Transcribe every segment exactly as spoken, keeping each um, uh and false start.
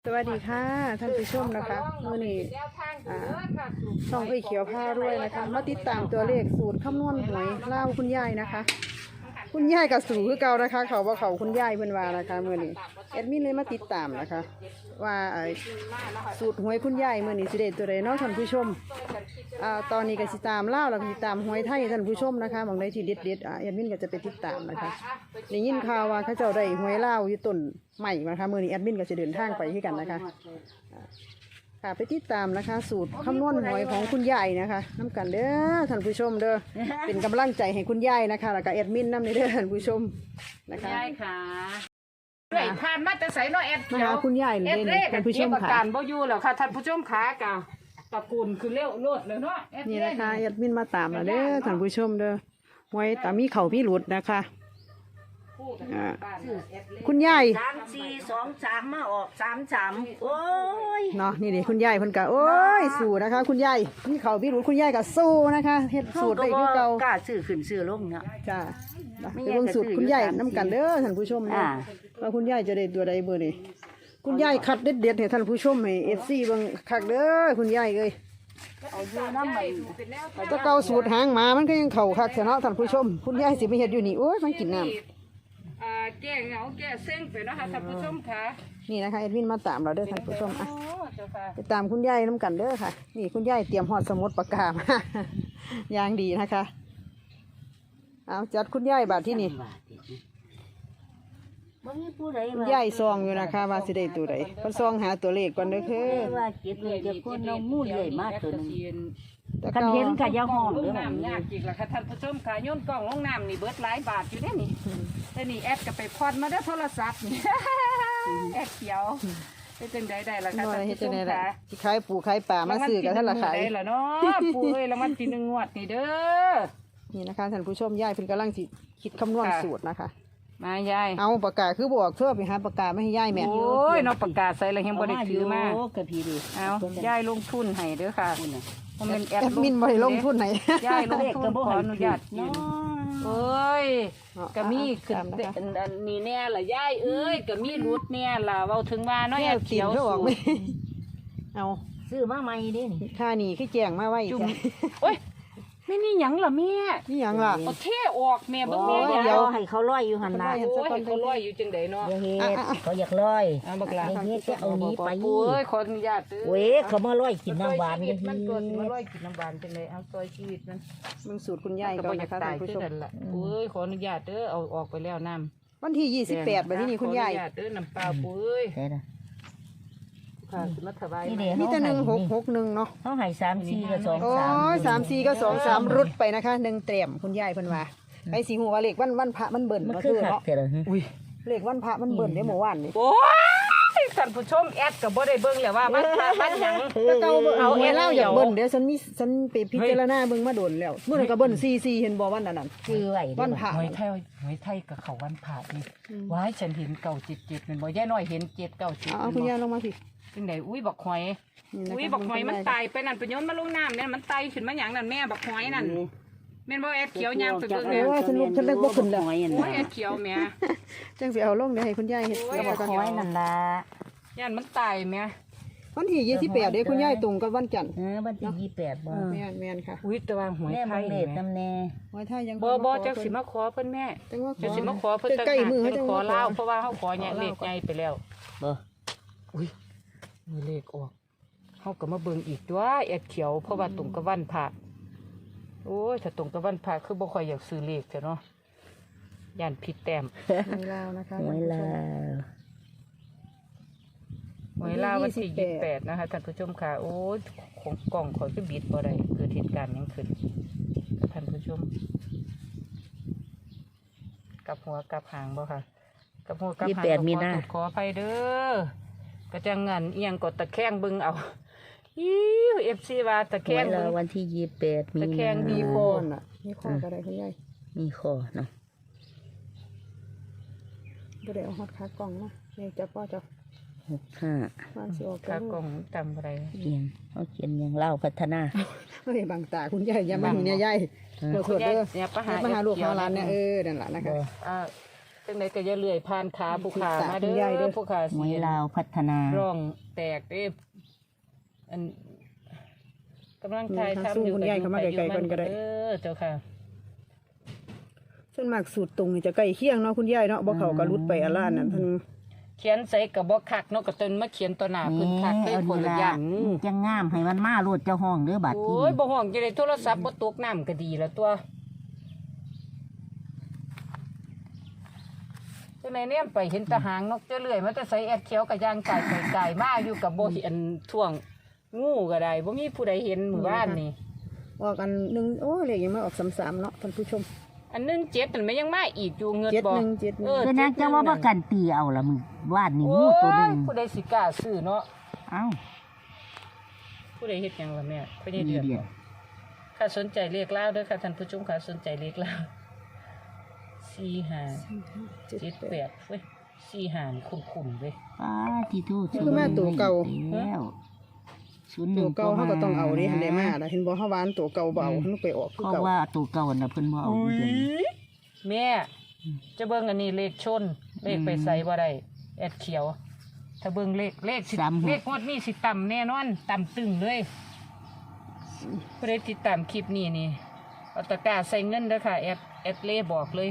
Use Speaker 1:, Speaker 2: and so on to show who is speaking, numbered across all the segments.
Speaker 1: สวัสดีค่ะท่านผู้ชมนะคะมื่อนี้ช่องไอเขียวผ้าด้วยนะคะมาติดตามตัวเลขสูตรคำนวณหวยเล่าคุณยายนะคะ คุณยายกับสูคือเก่านะคะ เขาว่าเขาคุณยายเพิ่นว่านะคะมื่อนี้แอดมินเลยมาติดตามนะคะ ว่าสูตรหวยคุณยายมื่อนี้สิเด็ดตัวใดเนาะท่านผู้ชมอ่าตอนนี้ก็สิตามเล่าแล้วก็สิตามหวยไทยท่านผู้ชมนะคะบางใดที่เด็ดเด็ดอ่าแอดมินก็จะไปติดตามนะคะได้ยินข่าวว่าเขาเจ้าได้หวยเล่าอยู่ต้นใหม่นะคะมื่อนี้แอดมินก็จะเดินทางไปที่กันนะคะค่ะไปติดตามนะคะ สูตรคำนวณหวยของคุณยายนะคะน้ำกันเด้อท่านผู้ชมเด้อเป็นกำลังใจให้คุณยายนะคะแล้วก็แอดมินน้ำในเด้อท่านผู้ชมนะคะ
Speaker 2: ยายค่ะด้วยผ่านมาแต่ใส่น้อแอดเขียว
Speaker 1: คุณยายเลยท่านผู้ชมค่ะ
Speaker 2: การบ่อยู่แล้วค่ะท่านผู้ชมขากะตระกูลคือเลี้ยวโลดเลยเนาะ
Speaker 1: นี่นะคะแอดมินมาตามมาเด้อท่านผู้ชมเด้อหวยตามีเข่าพี่หลุดนะคะคุณยาย
Speaker 3: สามสี่สองสามมาออกสามสามโอ้ย
Speaker 1: เนาะนี่ดิคุณยายเพิ่นกะโอ้ยสู้นะคะ คุณยายมีเข่าพี่หลุดคุณยายกะสู้นะคะเฮ็ดสูตรได้คือเก่าก
Speaker 3: ล้าซื้อขึ้นซื้อลงเนาะ
Speaker 1: จ้าไปเบิ่งสูตรคุณยายน้ำกันเด้อท่านผู้ชมนะว่าคุณยายจะได้ตัวใดเบอร์นี่คุณยายคัดเด็ดเด็ดให้ท่านผู้ชมให้เอฟซีเบิ่งคักเด้อคุณยายเอ้ย
Speaker 3: เอาอยู่น้ำใหม่
Speaker 1: ตะเกาสูตรหางหมามันก็ยังเข่าคักเนาะท่านผู้ชมคุณยายสิไปเฮ็ดอยู่นี่โอ้ยมันกินน้ำ
Speaker 2: แก้เหงาแก้เส้นไปนะคะท่านผู้ชมค่ะ
Speaker 1: นี่นะคะเอ็ดวินมาตามเราเด้อท่านผู้ชมอ่ะไปตามคุณยายน้ำกันเด้อค่ะนี่คุณยายเตรียมหอดสมุดปากกามาอย่างดีนะคะเอาจัดคุณยายบาทที่นี่คุณยายซองอยู่นะคะว่าสิได้ตัวใดเพิ่นซองหาตัวเลขก่อนเด้อคือ
Speaker 3: ว่าเก็บเลยจะคนเรามู่เลยมากตัวนึงคันเห็นกับยาห้อง
Speaker 2: เด้อน้ำยากจริงละค่ะท่านผู้ชมค่ะโยนกล้องลงน้ำนี่เบิดหลายบาทอยู่เด้นี่แต่นี่แอดก็ไปพอดมาได้โทรศัพท์นี่แอดเขียวเป็นจังได้ได้ละค่ะท่านผู้ชมค่ะ
Speaker 1: ที่ขายปูขายป่ามาซื้อกันท่านละขาย
Speaker 2: ได้ละเนาะปูเอ้ยรางวัลที่หนึ่งงวดนี่เด้อ
Speaker 1: นี่นะคะท่านผู้ชมยายเพิ่นกำลังสิคิดคำนวณสูตรนะคะ
Speaker 2: มายาย
Speaker 1: เอาปากกาคือบอกเชื่อไปหาปากกาไม่ให้ยายแม่
Speaker 2: โอ้ยเนาะปากกาใส่แล้วยังบ่ได้ถือมา
Speaker 3: กระพีดิ
Speaker 2: เอายายลงทุนให้เด้อค่ะผมเป็นแอด
Speaker 1: มินบ่ได้ลงทุนไหน
Speaker 2: ยายลงทุนขออนุญาตเนาะเอ้ยก็มีขึ้นอันนี้แน่ล่ะยายเอ้ยก็มีรุดแน่ล่ะเว้าถึงว่าน้อยแอดเขียวสู
Speaker 1: เอา
Speaker 3: ซื้อมาใหม่เด้นี่
Speaker 1: ค่านี่คือแจ้งมาไว้
Speaker 2: จ้ะโอ้ยไม่นี่หยังล่ะแม่
Speaker 1: นี่หยังล่ะ
Speaker 2: เอาเทออกแม่เบิ่งแม่
Speaker 3: เดี๋ยวให้เขาร้อยอยู่หั่นน่ะ
Speaker 2: โอ้ยให้เขาร้อยอยู่จังได๋เนาะ
Speaker 3: เฮ็ดเขาอยากร้อย
Speaker 2: อ่าบักหลา
Speaker 3: เฮ็ดจะเอานี้ไป
Speaker 2: โอ้ยขออนุญาตเด้อ
Speaker 3: เว้ยเขามาร้อยกินน้ำหวานกัน
Speaker 2: มันตัวสิมาร้อยกินน้ำหวานจังได๋เอาซอยชีวิตมัน
Speaker 1: มึงสูตรคุณยายก่อนนะคะท่านผู้ชม
Speaker 2: โอ้ยขออนุญาตเด้อเอาออกไปแล้วน้ำ
Speaker 1: วันที่ยี่สิบแปดบัดนี้คุณยาย
Speaker 2: ขออนุญาตเด้อน้ำเปล่าปุ้ย
Speaker 1: มีแต่หนึ่งหกหกหนึ่งเนาะ
Speaker 3: เขาให้สามสี่กับสองสาม
Speaker 1: โอ้ยสามสี่ก็สองสามรุดไปนะคะหนึ่งเตรียมคุณยายเพิ่นว่าไอ้สีหัวเลขวันวันพระมันเบิ่นมาคือเนาะอุ้ยเลขวันพระมันเบิ่นได้เมื่อวานนี่
Speaker 2: โอ้ยท่านผู้ชมแอดกับบ่ได้เบิ่งแล้วว่ามันพระมันหยัง
Speaker 1: แต่เก่าเอาแอดเล่าอยากเบิ่นเดี๋ยวฉันมีฉันไปพิจารณาเบิ่งมาโดนแล้วมื้อนั้นก็เบิ่นสี่สี่เห็นบ่วันนั้นน่ะ
Speaker 3: คือไว้
Speaker 1: วันพระ
Speaker 2: หวยไทยหวยไทยกับเขาวันพระนี่ว้ายฉันเห็นเก้าเจ็ดเจ็ดแม่นบ่ยายน้อยเห็นเจ็ดเก้าเจ็ด
Speaker 1: เอาคุณยายลงมาสิ
Speaker 2: จังได๋อุ้ยบักหอยอุ้ยบักหอยมันตายไปนั่นไปโยนมาลงน้ำเนี่ยมันตายขึ้นมาหยังนั่นแม่บักหอยนั่นแม่นบ่แอดเขียวยางไปเบิ่งแม่
Speaker 1: โอ้ยฉันลุกฉันเลิกบ่ขึ้นแล้ว
Speaker 2: โอ้ยแอดเขียวแม่
Speaker 1: จังสิเอาลงเดี๋ยวให้คุณยายเฮ็ด
Speaker 3: กับบักหอยนั่นล่ะ
Speaker 2: ย่านมันตายแม่
Speaker 1: วันที่ยี่สิบแปดเด้คุณยายตรงกับวันจันทร์
Speaker 3: เออวันที่ยี่สิบแปดบ่
Speaker 1: แม่นแม่นค่ะ
Speaker 2: อุ้ยแต่ว่าหวยไทย
Speaker 3: แม่นำแน่
Speaker 1: หวยไทยยัง
Speaker 2: บ่บ่จังสิมาขอเพิ่นแม่จังสิมาขอเพิ่นตั้งแต่เพิ่นขอลาวเพราะว่าเฮาขอเนี่ยเลขใหญ่ไปแล้ว
Speaker 3: บ่
Speaker 2: อุ้ยมีเลขออกเขาก็มาเบิ่งอีกตัวแอดเขียวเพราะว่าตรงกับวันพระโอ้ยถ้าตรงกับวันพระคือบ่ค่อยอยากซื้อเลขจ้ะเนาะย่านผิดแต้ม
Speaker 1: หวยลาวนะคะ
Speaker 3: หวยลาว
Speaker 2: หวยลาววันที่ยี่สิบแปดนะคะท่านผู้ชมค่ะโอ้ยของกล่องขอคือบิดบ่ได้เกิดเหตุการณ์ยังขึ้นท่านผู้ชมกับหัวกับหางบ่ค่ะกับหัวกับหางขออภัยเด้อกระจังเงินเอียงกดตะแคงบึงเอายี่เอฟซีว่าตะแคงบึง
Speaker 3: วันที่ยี่สิบแปดมี
Speaker 2: ตะแคงมีโค
Speaker 1: น่ะมีโคก็ได้คุณยาย
Speaker 3: มีโคเนาะ
Speaker 1: ก็ได้เอาฮอตขากล่องมาเนี่ยจะป้อจะ
Speaker 3: หกห้า
Speaker 2: ขากล่องจำอะไร
Speaker 3: เพียงเขาเขียนอย่างเล่าพัฒนา
Speaker 1: เฮ้ยบางตาคุณยายอย่ามาเนี่ยยายตัวสดเด้ออย่ามาหาลูกหาหลานเนี่ยเออนั่นแหละนะคะ
Speaker 2: จังไดก็อย่าเลื่อยผ่านขาผู้ขามาเด้อผู้ขา
Speaker 3: ห
Speaker 2: สิ
Speaker 3: วยลาวพัฒนา
Speaker 2: ร่องแตกเด้อันกำลังทายทำอยู่
Speaker 1: คุณยายเข้ามาใกล้ๆกันก็ได้
Speaker 2: เออเจ้าค่ะ
Speaker 1: ส่วนมากสูตรตรงนี่จะใกล้เคียงเนาะคุณยายเนาะบ่เขาก็รุดไปอะล้านนั่นท่าน
Speaker 2: เขียนใส่กับบ่คักเนาะก็จนมาเขียนต่อหน้าเพิ่นคักได้
Speaker 3: เอา
Speaker 2: ผ
Speaker 3: ดี
Speaker 2: ลละ
Speaker 3: ละ
Speaker 2: อย่าง
Speaker 3: จังงามให้มันมาโลดเจ้าห้องเด้อบาด
Speaker 2: โอ้
Speaker 3: ที่
Speaker 2: ยบ่ห้องจะได้โทรศัพท์บ่ตกน้ำก็ดีแล้วตัวจังไหนเนี่ยไปเห็นแตะหางนกจะเลื่อยมันจะใส่แอดเขียวกับยางไก่ไก่ไก่มาอยู่กับบ่เห็นท่วงงูก็ได้บ่มีผู้ใดเห็นหมู่บ้านนี่
Speaker 1: ออกอันหนึงโอ้เลขยังไม่ออกสามๆเนาะท่านผู้ชม
Speaker 2: อันหนึงเจ็ดมันไม่ยังมาอีกอยู่เงิน
Speaker 1: เจ็ด
Speaker 2: บ่
Speaker 1: หนึ่งเจ็ดหนึ่ง
Speaker 2: เออ
Speaker 3: เป็นนักจังว่าประกันตีเอาละมึงวาดนี่
Speaker 2: โอ้
Speaker 3: งูตัวหนึ
Speaker 2: ย
Speaker 3: ง
Speaker 2: ผู้ใดสิกล้าซื้อเนาะ
Speaker 3: เอ้า
Speaker 2: ผู้ใดเฮ็ดหยังล่ะแม่เพิ่น
Speaker 3: ดี
Speaker 2: เดือด
Speaker 3: เดีย
Speaker 2: บ่ถ้าสนใจเลขลาวเด้อค่ะท่านผู้ชมค่ะสนใจเลขลาวสี่ห้า
Speaker 1: เจ็ด
Speaker 2: เจ็ด
Speaker 1: แป
Speaker 2: แป
Speaker 1: ด
Speaker 2: ดเว้ยสี่หานคุ้มๆเว้ย
Speaker 3: ป้าที่ทูต
Speaker 1: คือแม่ตัวเก่า
Speaker 3: แล้วศูนย์หนึ่
Speaker 1: ตั
Speaker 3: ง
Speaker 1: วเก่าเขาก็ต้องเอาดิหันได้มาล่ะเห็นบ่เฮาหวานตัวเก่าเบามันไปออกคือ
Speaker 3: เพราะ
Speaker 1: เก่า
Speaker 3: ว่าตัวเก่าน่ะเพิ่นบ่เอาอยู่เดี๋ยวนี้
Speaker 2: แม่จะเบิ่งอันนี้เลขชนเลขไปใส่บ่ได้แอดเขียว ถ้าเบิ่งเลขเลขสิเลขงวดนี้สิต่ำแน่นอนต่ำตึงเลยผู้ใดติดตามคลิปนี้นี่เอาตะกร้าใส่เงินเด้อค่ะแอดแอดเล่บอกเลย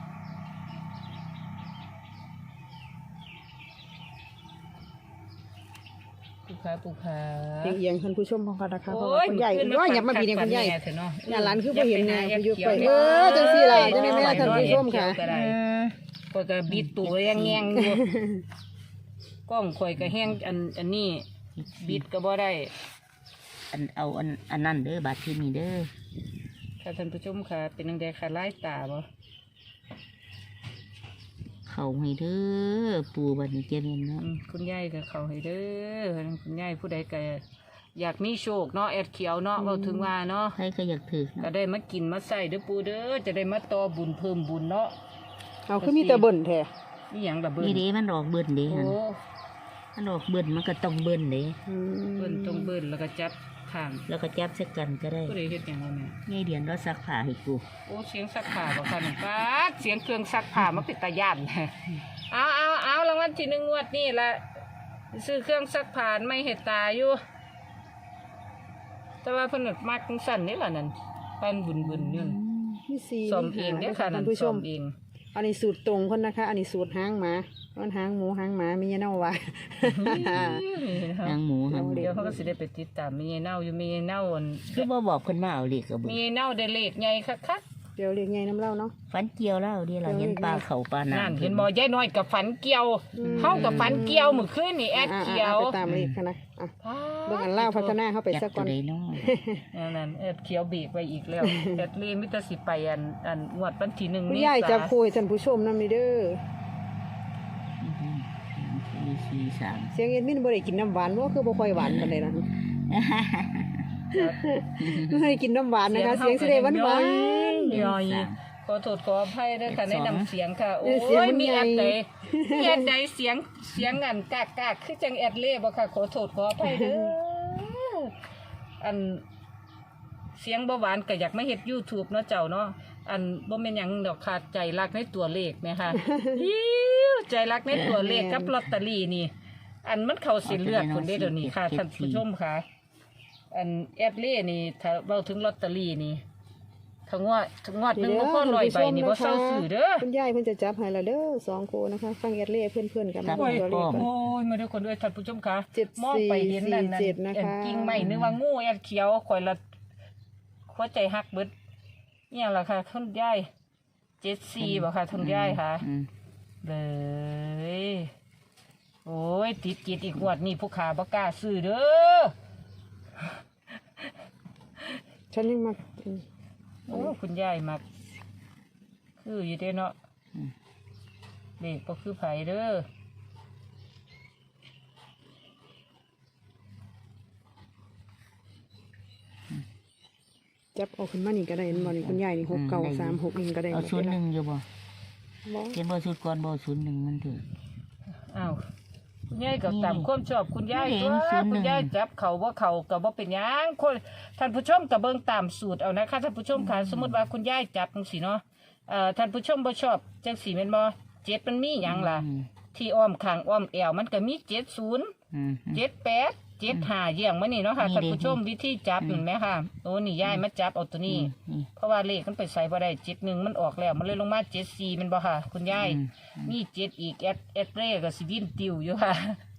Speaker 2: ปูขาปูขา
Speaker 1: เอียงๆท่านผู้ชมของกันนะคะเพราะ
Speaker 2: โอ้
Speaker 1: ว่าย คุณยาย
Speaker 2: ขึ้น
Speaker 1: ว่าอย่ามาบีเนี่ยคุณยาย
Speaker 2: แเถอะเนาะ
Speaker 1: หน้าร้านคือบ่เห็นแน่
Speaker 2: อย่า
Speaker 1: อยู่
Speaker 2: ไป
Speaker 1: ไป
Speaker 2: หา
Speaker 1: เออจังซี่ล่ะจังได๋แม่ท่านผู้ชมค่ะ
Speaker 2: ก็ได้ก็จะบิดตัวแง่งๆอยู่กล้องข่อยก็แห้งอันอันนี้บิดก็บ่ได้
Speaker 3: อันเอาอันอันนั้นเด้อบาดที่นี่เด้อ
Speaker 2: ค่ะท่านผู้ชมค่ะ เป็นจังไดค่ะลายตาบ่
Speaker 3: เข้าให้เด้อปู่บัดนี้เจริญเนาะ
Speaker 2: อืมคุณยายก็เข้าให้เด้อคุณยายผู้ใดก็อยากมีโชคเนาะแอดเขียวเนาะเว้าถึงว่าเนาะ
Speaker 3: ใครก็อยากถือ
Speaker 2: ก็
Speaker 3: เนาะ
Speaker 2: ได้มากินมาใส่เด้อปู่เด้อจะได้มาต่อบุญเพิ่มบุญเนาะ
Speaker 1: เอาคือมีแต่เบิ่นแท้
Speaker 2: นี่หยังล่ะเบิ่น
Speaker 3: นี่เด้มันออกเบิ่นเด้
Speaker 2: โอ้
Speaker 3: หั่นมันออกเบิ่นมันก็ต้องเบิ่นเด้
Speaker 1: อืม
Speaker 2: เบิ่นต้องเบิ่นแล้วก็จับข้าง
Speaker 3: แล้วก็จับสักกันก็ได้
Speaker 2: ผู้ใดเฮ็ดหยังวะแม่
Speaker 3: ง่ายเดียนเราซักผ้าให้กู
Speaker 2: โอ้เสียงซักผ้าบ่ค่ะนี่ป๊าดเสียงเครื่องซักผ้ามาเป็นตาย่าน เอาเอาเอารางวัลที่หนึ่งงวดนี่ละซื้อเครื่องซักผ้าไม่เห็ดตาอยู่ แต่ว่าเพิ่นนะมักจังสั่นนี่ล่ะนั่นปันบุญบุญนี่
Speaker 1: มีสี่
Speaker 2: ซ่อมเองเด้อค่ะ
Speaker 1: ท่า
Speaker 2: นั่
Speaker 1: น
Speaker 2: น
Speaker 1: ผู้ช
Speaker 2: ซ่อ
Speaker 1: ม
Speaker 2: มเอง
Speaker 1: อันนี้สูตรตรงคนนะคะ อันนี้สูตรหางหมาอันหางหมูหางหมามีเน่าว่า
Speaker 3: นางหมูหัน
Speaker 2: เดี๋ยวเขาก็สิได้ไปติดตามมีเน่าอยู่มีเน่าอัน
Speaker 3: คือบ่บอกเพิ่นมาเอาเลขก็บ่
Speaker 2: มีเน่าได้เลขใหญ่คัก
Speaker 1: เดี๋ยวเรียกไงน้ำเล่าเนาะ
Speaker 3: ฝันเกี่ยวแล้วเดี๋ยวเราเห็นปลาเขาปลา
Speaker 2: ๆนั่น
Speaker 3: น้ำ
Speaker 2: เห็นบ่ยายน้อยกับฝันเกี่ยวเฮากับฝันเกี่ยวมื้อคืนนี่แอด
Speaker 1: อ่า
Speaker 2: เขียว
Speaker 1: ๆๆไปตามเลขกันนะอ่ะเบิ่งอันเล่าพัฒนาเข้าไป
Speaker 3: จั
Speaker 1: สั
Speaker 3: ก
Speaker 1: ก
Speaker 3: ตั
Speaker 1: ก่
Speaker 3: ว
Speaker 1: อน
Speaker 3: ใดน้อย
Speaker 2: นั่นนั่นแอดเขียวเบรกไว้อีกแล้ว แอดลีมิตรสิไปอันอันงวดวันที่หนึ่ง
Speaker 1: คุณ
Speaker 2: นี่
Speaker 1: ยายจะคุยท่านผู้ชมนำนี่เด้อ
Speaker 3: มีสี่สาม
Speaker 1: เสียงเอ็ดมินบ่ได้กินน้ำหวานว่าคือบ่ค่อยหวานปานใดล่ะไม่ได้กินน้ำหวานนะคะ เสียงสิได้หวานหวาน
Speaker 2: ย่อยขอโทษขออภัยด้วยค่ะในนำเสียงค่ะ โอ้
Speaker 1: เสียง
Speaker 2: ย
Speaker 1: มัน
Speaker 2: มี
Speaker 1: ใหญ่
Speaker 2: แอดใดมีแอดใดเสียงเสียงอันกากกากคือจังแอดเล่บ่ค่ะขอโทษขออภัยเด้ออันเสียงบ่หวานก็อยากมาเฮ็ด YouTube เนาะเจ้าเนาะอันบ่แม่นหยังดอกค่ะใจรักในตัวเลขแม่ค่ะ อิ๊วใจรักในตัวเลขกับลอตเตอรี่นี่ อันมันเข้าสิเลือดคนได้เดี๋ยวนี้ค่ะท่านผู้ชมค่ะ อันแอดเล่นี่ถ้าเว้าถึงลอตเตอรี่นี่ถ้างวดถ้างวดหนึงบ่พอร้อยใบนี่บ่เซาซื้อเด้อ
Speaker 1: คุณยายเพิ่นจะจับให้และเด้อสองโคนะคะ ฟังเอ็ดเล่เพื่อนๆกันนะ
Speaker 2: โอ้ย
Speaker 1: ตัวเลขกัน
Speaker 2: โอ้ยมาด้วยคนด้วยท่านผู้ชมค่ะ
Speaker 1: เจ็ด
Speaker 2: มองไปเห็นนั่นนั่น
Speaker 1: สี่เจ็ดนะคะ
Speaker 2: แอนกิ่งไม้นึกว่างูแอนเขียวข่อยละหัวใจหักเบิดเนี่ยล่ะค่ะท่านยายเจ็ดสี่บ่ค่ะท่านยายค่ะ
Speaker 3: อืม
Speaker 2: เลยโอ้ยติดกิดอีกงวดนี่ผู้ขาบ่กล้าซื้อเด้อ
Speaker 1: ฉันยังมา
Speaker 2: โอ้คุณยายมักคืออยู่เด้เนาะเด็กก็คือไผเด้อ
Speaker 1: จับเอาขึ้นมานี่ก็ได้เห็นบ่นี่คุณยายนี่หกเก้าสามหกนี่ก็ได้
Speaker 3: เอาศูนย์หนึ่งอยู่บ่
Speaker 1: บ่
Speaker 3: เห็นบ่ศูนย์ก่อนบ่ศูนย์หนึ่งมันถือ
Speaker 2: อ้าวคุณยายก็ตามความชอบคุณยาย
Speaker 3: นี่
Speaker 2: ตัว
Speaker 3: ศูนย์หนึ่ง
Speaker 2: คุณยายจับเขาว่าเขาก็บ่เป็นหยังคนท่านผู้ชมก็เบิ่งตามสูตรเอานะคะท่านผู้ชมค่ะสมมุติว่าคุณยายจับจังซี่เนาะเอ่อท่านผู้ชมบ่ชอบจังซี่แม่นบ่เจ็ดมันมีหยังล่ะ
Speaker 3: อืม
Speaker 2: ที่อ้อมข้างอ้อมแอวมันก็มีเจ็ดศูนย์
Speaker 3: อืม
Speaker 2: เจ็ดแปดเจ็ดห้าเยี่ยงมานี่เนาะค่ะ
Speaker 3: นี่
Speaker 2: ท่าน
Speaker 3: ดิ
Speaker 2: ผู้ชมวิธีจับ
Speaker 3: อืม
Speaker 2: เห็นไหมค่ะโอ้นี่ยายมาจับเอาตัวนี้
Speaker 3: นี่
Speaker 2: เพราะว่าเลขมันไปใส่บ่ได้เจ็ดหนึ่งมันออกแล้วมันเลยลงมาเจ็ดสี่มันบ่ค่ะ คุณยาย
Speaker 3: อืม
Speaker 2: มีเจ็ดอีกแอดแอดเร่ก็สิวินติวอยู่ค่ะ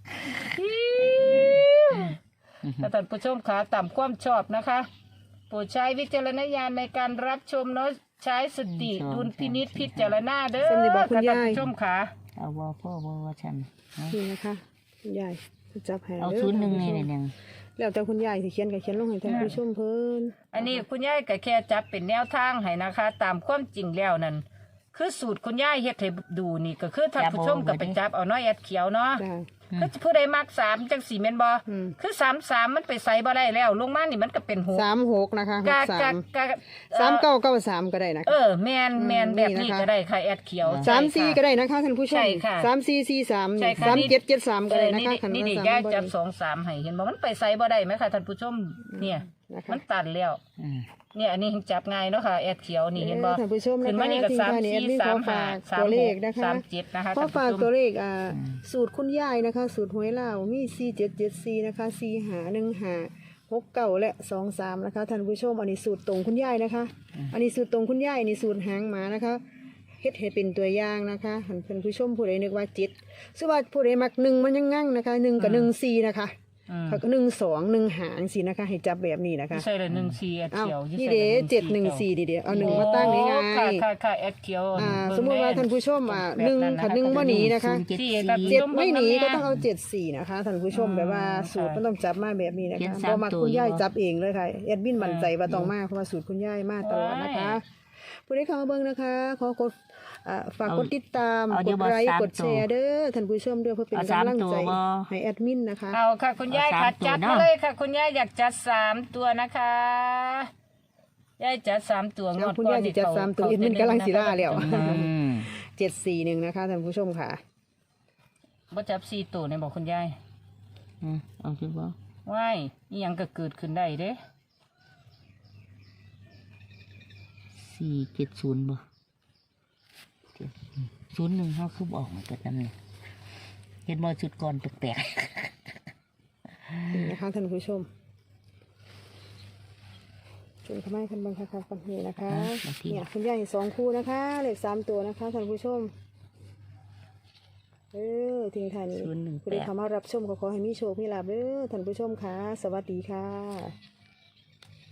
Speaker 2: ถ้าท่านผู้ชมขาต่ำความชอบนะคะโปรดใช้วิจารณญาณในการรับชมเนาะใช้สติดุลพินิจพิจารณาเด้อ
Speaker 1: สำหรับบอกคุณ
Speaker 2: ท่าน
Speaker 1: ยาย
Speaker 2: ผู้ชมขา
Speaker 3: เอาว่าพ่อว่าว่าฉันเอา
Speaker 1: นี่นะคะคุณยายจับให้
Speaker 3: เอา
Speaker 1: ด้
Speaker 3: ศูนย์หนึ่ง
Speaker 1: ท่า
Speaker 3: นี่
Speaker 1: ผู้ชม
Speaker 3: หนึ่ง
Speaker 1: แล้วแต่คุณยายสิเขียนก็เขียนลงให้ท่านผู้ชมเพิ่น
Speaker 2: อันนี้คุณยายก็แค่จับเป็นแนวทางให้นะคะ ตามความจริงแล้วนั่นคือสูตรคุณยายเฮ็ดให้ดูนี่ก็คือท่านผู้ชมก็ไปจับเอาน้อยแอดเขียวเนาะ
Speaker 1: จ้า
Speaker 2: คือผู้ใดมักสามจังสี่เมนบอ
Speaker 1: อืม
Speaker 2: คือสามสามมันไปใส่บ่ได้แล้วลงมานี่มันก็เป็นหก
Speaker 1: สามหกนะคะห
Speaker 2: กะ
Speaker 1: กสาก
Speaker 2: ะ
Speaker 1: ม
Speaker 2: กะ
Speaker 1: สามเก้าเก้าสามก็ได้นะ
Speaker 2: เอ
Speaker 1: คะ
Speaker 2: อแมนแมน
Speaker 1: อืม
Speaker 2: แบบนี้
Speaker 1: นี่นะคะ
Speaker 2: ก็ได้ค่ะแอดเขียว
Speaker 1: สาม
Speaker 2: ใช่
Speaker 1: สี่
Speaker 2: ค่ะ
Speaker 1: ก็ได้นะคะท่านผู้ชม
Speaker 2: ใช่ค่ะ
Speaker 1: สามสี่สี่สาม
Speaker 2: ใช่ค่ะ
Speaker 1: สามเจ็ดเจ็ดสามก็
Speaker 2: เอ
Speaker 1: ได้
Speaker 2: อ
Speaker 1: นะ
Speaker 2: นี่
Speaker 1: คะ
Speaker 2: นี่
Speaker 1: ขัน
Speaker 2: นี่
Speaker 1: ว่า
Speaker 2: นี่
Speaker 1: สาม
Speaker 2: ย่า
Speaker 1: บ่
Speaker 2: จั
Speaker 1: ได้
Speaker 2: บสองสามให้เห็นบ่มันไปใส่บ่ได้ไหมคะท่านผู้ชมเนี่ย
Speaker 1: นะคะ
Speaker 2: มันตัดแล้ว
Speaker 3: อืม
Speaker 2: เนี่ยอันนี้จับง่ายเนาะค่ะแอดเขียวนี่เห็นบ่
Speaker 1: เออท่านผู้ชมนะคะ
Speaker 2: ขึ้นมานี่ก็
Speaker 1: ที่
Speaker 2: สาม
Speaker 1: ท่านนี่
Speaker 2: สี่
Speaker 1: แอดมิน
Speaker 2: สาม
Speaker 1: ขอ
Speaker 2: ห้า
Speaker 1: ฝาก
Speaker 2: สาม
Speaker 1: ตัว
Speaker 2: ห
Speaker 1: เล
Speaker 2: ก
Speaker 1: ขนะคะ
Speaker 2: สามเจ็ดนะคะ
Speaker 1: ขอ
Speaker 2: ท่าน
Speaker 1: ฝาก
Speaker 2: ผู้ช
Speaker 1: ตัว
Speaker 2: ม
Speaker 1: เลขอ่าสูตรคุณยายนะคะ สูตรหวยลาวมีสี่เจ็ดเจ็ดสี่นะคะสี่หาหนึ่งหาหกเก้าและสองสามนะคะท่านผู้ชมอันนี้สูตรตรงคุณยายนะคะ อันนี้สูตรตรงคุณยายอันนี้สูตรหางหมานะคะเฮ็ดให้เป็นตัวอย่างนะคะท่านผู้ชมผู้ใดนึกว่าเจ็ดซึ่งว่าผู้ใดมักหนึ่งมันยังงั้งนะคะหนึ่งกับหนึ่งสี่นะคะ
Speaker 2: อืม
Speaker 1: ค่ะหนึ่งสองหนึ่งหางสินะคะ ให้จับแบบนี้นะคะ
Speaker 2: ใส่เลยหนึ่งสี่แอด
Speaker 1: อ้าว
Speaker 2: เขียว
Speaker 1: นี่เด้เจ็ดหนึ่งสี่ดีเดียวเอาหนึ่งมาตั้งนี่ไง
Speaker 2: โอ้ค่ะค่ะค่ะแอดเขียว
Speaker 1: อ่า
Speaker 2: เบิ่ง
Speaker 1: สมมติว่า
Speaker 2: แ
Speaker 1: ท่านผู้ชมอ่า
Speaker 2: แบบ
Speaker 1: หนึ่ง
Speaker 2: ะคะ
Speaker 1: ขัดหนึ่งว่าหนีนะคะ
Speaker 3: ศูนย์เจ็ด
Speaker 2: ที่
Speaker 3: สี่
Speaker 2: แบบ
Speaker 1: เจ็ด
Speaker 2: ต้อง
Speaker 1: ไม่หนี
Speaker 2: เบิ่ง
Speaker 1: ก็
Speaker 2: แน่
Speaker 1: ต้องเอาเจ็ดสี่นะคะท่านผู้ชม
Speaker 2: อืม
Speaker 1: แบบว่าสูตร
Speaker 2: ค่ะ
Speaker 1: มันต้องจับมาแบบนี้นะ
Speaker 3: เขีย
Speaker 1: คะ
Speaker 3: น
Speaker 1: เพ
Speaker 3: สาม
Speaker 1: ราะมา
Speaker 3: ตัว
Speaker 1: คุณย่าย
Speaker 3: อยู่
Speaker 1: จับเองเลยค่ะแอดมินมั่นใจ
Speaker 2: อ่า
Speaker 1: ว่าต้องมาเพราะว่าสูตรคุณย่ายมาตลอดนะคะ
Speaker 2: ว้าย
Speaker 1: ผู้ใดเข้ามาเบิ่งนะคะขอกดอ่าฝาก
Speaker 3: เอา
Speaker 1: กดติดตาม
Speaker 3: เอา
Speaker 1: ก
Speaker 3: เดี๋ย
Speaker 1: ด
Speaker 3: วบอก
Speaker 1: ไลค์
Speaker 3: สาม
Speaker 1: กดแชร์เด้อท่านผู้ชมเด้อเพื่อเป็น
Speaker 3: เอาสาม
Speaker 1: กำลังใจ
Speaker 3: ตัวบ่
Speaker 1: ให้แอดมินนะคะ
Speaker 2: เอาค่ะคุณยาย
Speaker 3: เอา
Speaker 2: ค่ะ
Speaker 3: สามตัว
Speaker 2: จัด
Speaker 3: เนอะ
Speaker 2: มาเลยค่ะ คุณยายอยากจัดสามตัวนะคะยายจัดสามตัวง
Speaker 1: เอา
Speaker 2: วด
Speaker 1: คุณ
Speaker 2: ก่
Speaker 1: ย่าย
Speaker 2: น
Speaker 1: สิ
Speaker 2: นี่
Speaker 1: จัด
Speaker 2: เขา
Speaker 1: สามตัว
Speaker 2: เขา
Speaker 1: แอดมินกำลังสิล่าแล้ว
Speaker 3: อืม
Speaker 1: เจ็ดสี่หนึ่งนะคะท่านผู้ชมค่ะ
Speaker 2: บ่จับสี่ตัวเนี่ยบอกคุณยาย
Speaker 3: อืมเอาสิบ่
Speaker 2: ว้ายนี่ยังก็เกิดขึ้นได้เด้
Speaker 3: สี่เจ็ดศูนย์บ่เจ็ดศูนย์หนึ่งเขาคือบอกมาเกิดนั่นเลยเห็นบ่จุดก่อนแปลก
Speaker 1: นี่นะคะท่านผู้ชมชมขม้คันบังคับกันนี่นะคะเนี่ยคุณยายสองคู่นะคะเลขสามตัวนะคะท่านผู้ชมเออทิ้งท้ายนี้
Speaker 3: ศูนย์หนึ่ง
Speaker 1: ผู้
Speaker 3: แป
Speaker 1: ใด
Speaker 3: ด
Speaker 1: เข้ามารับชมก็ขอให้มีโชคมีลาภเด้อท่านผู้ชมค่ะสวัสดีค่ะ